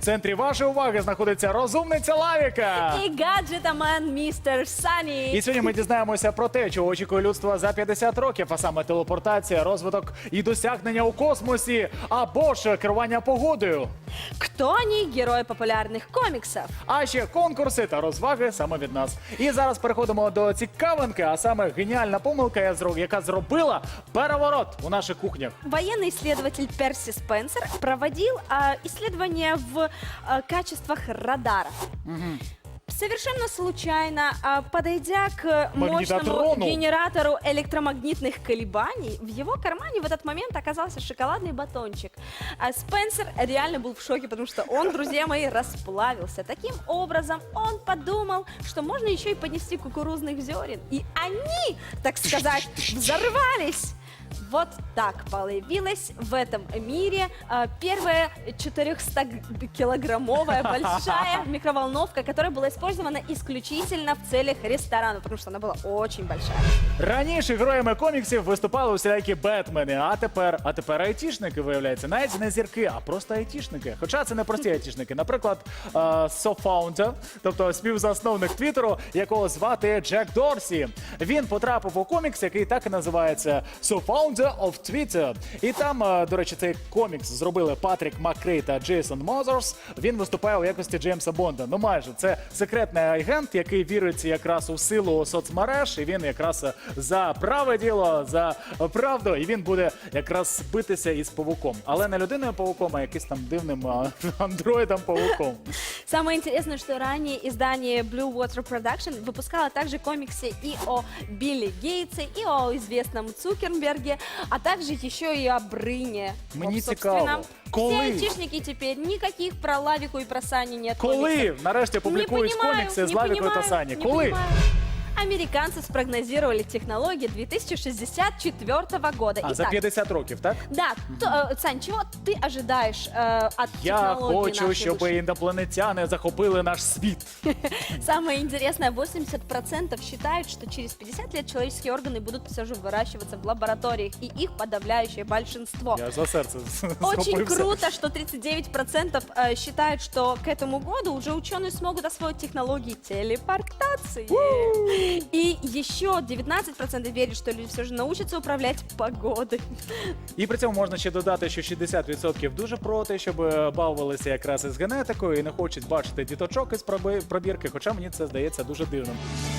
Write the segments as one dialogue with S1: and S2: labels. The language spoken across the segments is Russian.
S1: центрі вашої уваги знаходиться розумниця Лавіка.
S2: І гаджетамен містер Сані.
S1: І сьогодні ми дізнаємося про те, чого очікує людство за 50 років, а саме телепортація, розвиток і досягнення у космосі, або ж керування погодою.
S2: Хто вони герої популярних коміксів?
S1: А ще конкурси та розваги саме від нас. І зараз переходимо до цікавинки, а саме геніальна помилка, яка зробила переворот у наших кухнях.
S2: Военный исследователь Перси Спенсер проводил исследования в качествах радара. Совершенно случайно, подойдя к мощному
S1: Магнитотрону.
S2: генератору электромагнитных колебаний, в его кармане в этот момент оказался шоколадный батончик. А Спенсер реально был в шоке, потому что он, друзья мои, расплавился. Таким образом, он подумал, что можно еще и поднести кукурузных зерен. И они, так сказать, взорвались. Вот так появилась в этом мире первая 400-килограммовая большая микроволновка, которая была использована исключительно в целях ресторана, потому что она была очень большая.
S1: Раніше героями коміксів виступали усілякі Бетмени, а тепер айтішники, виявляється. Навіть не зірки, а просто айтішники. Хоча це не прості айтішники. Наприклад, софаундер, тобто співзасновник Твіттеру, якого звати Джек Дорсі. Він потрапив у комікс, який так і називається «So-Founder of Twitter». І там, до речі, цей комікс зробили Патрік Маккрей та Джейсон Мозерс. Він виступає у якості Джеймса Бонда. Ну майже. Це секретний агент, який вірить якраз у силу соцмереж. І він якраз за праве діло, за правду. І він буде якраз битися із павуком. Але не людиною-павуком, а якимось там дивним андроидом-павуком.
S2: Самое интересное, что ранее издание Blue Water Production выпускало также комиксы и о Билли Гейтсе, и о известном Цукерберге, а также еще и о Брыне.
S1: Мне
S2: Вот, собственно,
S1: цікаво. Коли?
S2: Все айтишники теперь никаких про Лавику и про Сани нет.
S1: Коли нарешті публікують комікси з Лавікою та Сані? Коли?
S2: Американцы спрогнозировали технологии 2064 года.
S1: А, за
S2: Итак,
S1: 50 років, так?
S2: да, Сань, чего ты ожидаешь от
S1: Я
S2: технологии
S1: хочу,
S2: нашей
S1: щоб
S2: души?
S1: інопланетяни захопили наш світ.
S2: Самое интересное, 80% считают, что через 50 лет человеческие органы будут все же выращиваться в лабораториях, и их подавляющее большинство.
S1: Я за серце
S2: Очень
S1: схопився.
S2: круто, что 39% считают, что к этому году уже ученые смогут освоить технологии телепортации. И еще 19% верят, что люди все же научатся управлять погодой.
S1: І при цьому можна ще додати, що 60% дуже проти, щоб бавилися якраз із генетикою і не хочуть бачити діточок із пробірки, хоча мені це здається дуже дивним.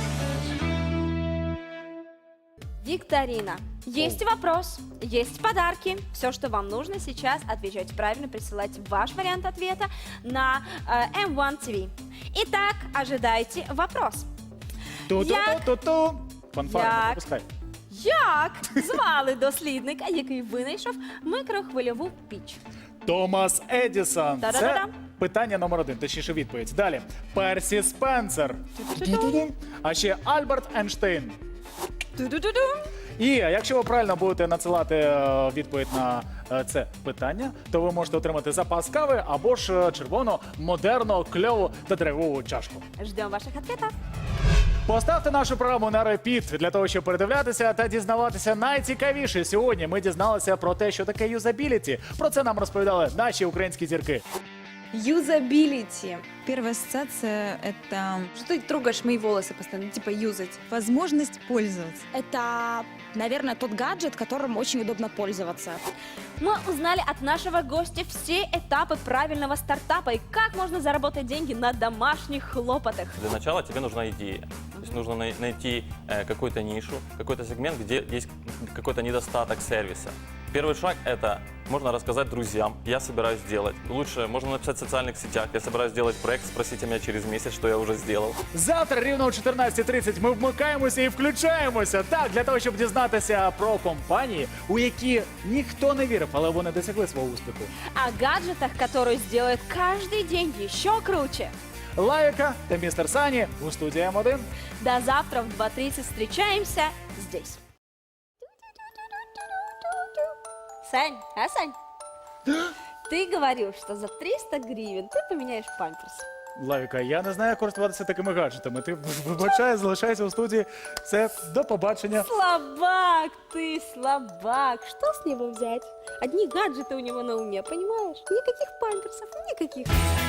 S2: Викторина. Есть вопрос, есть подарки. Все, что вам нужно сейчас, отвечать правильно, присылать ваш вариант ответа на M1 TV. Итак, ожидайте вопрос.
S1: Ту-ту-ту-ту-ту. Фанфари не пропускай.
S2: Як звали дослідника, який винайшов микрохвильову піч?
S1: Томас Едісон. Це
S2: Та-да-да-да.
S1: питання номер 1, точніше відповідь. Далі. Персі Спенсер. А ще Альберт Ейнштейн.
S2: Ту-ду-ду-ду.
S1: І якщо ви правильно будете надсилати відповідь на це питання, то ви можете отримати запас кави або ж червону, модерну, кльову та драйвову чашку.
S2: Ждем ваших ответов.
S1: Поставте нашу програму на репіт для того, щоб передивлятися та дізнаватися найцікавіше. Сьогодні ми дізналися про те, що таке юзабіліті. Про це нам розповідали наші українські зірки.
S3: Юзабилити.
S4: Первая ассоциация – это
S3: Что ты трогаешь мои волосы постоянно, типа юзать?
S4: возможность пользоваться.
S5: Это, наверное, тот гаджет, которым очень удобно пользоваться.
S2: Мы узнали от нашего гостя все этапы правильного стартапа и как можно заработать деньги на домашних хлопотах.
S6: Для начала тебе нужна идея. То есть нужно найти какую-то нишу, какой-то сегмент, где есть какой-то недостаток сервиса. Первый шаг – это можно рассказать друзьям, я собираюсь сделать. Лучше можно написать в социальных сетях, я собираюсь сделать проект, спросите меня через месяц, что я уже сделал.
S1: Завтра рівно о 14:30 ми вмикаємося і включаємося. Так, для того, щоб дізнатися про компанії, у які ніхто не вірив, але вони досягли свого успіху.
S2: О гаджетах, которые сделают каждый день еще круче.
S1: Лавіка та містер Сані у студії М1.
S2: До завтра в 2:30 встречаемся здесь. Сань, Сань? Ты говорил, что за 300 гривен ты поменяешь памперс.
S1: Лавіка, я не знаю, як користуватися такими гаджетами. Ти вибачай, залишайся у студії. Все, до побачення.
S2: Слабак ты, слабак. Что с него взять? Одни гаджеты у него на уме, понимаешь? Никаких памперсов, никаких.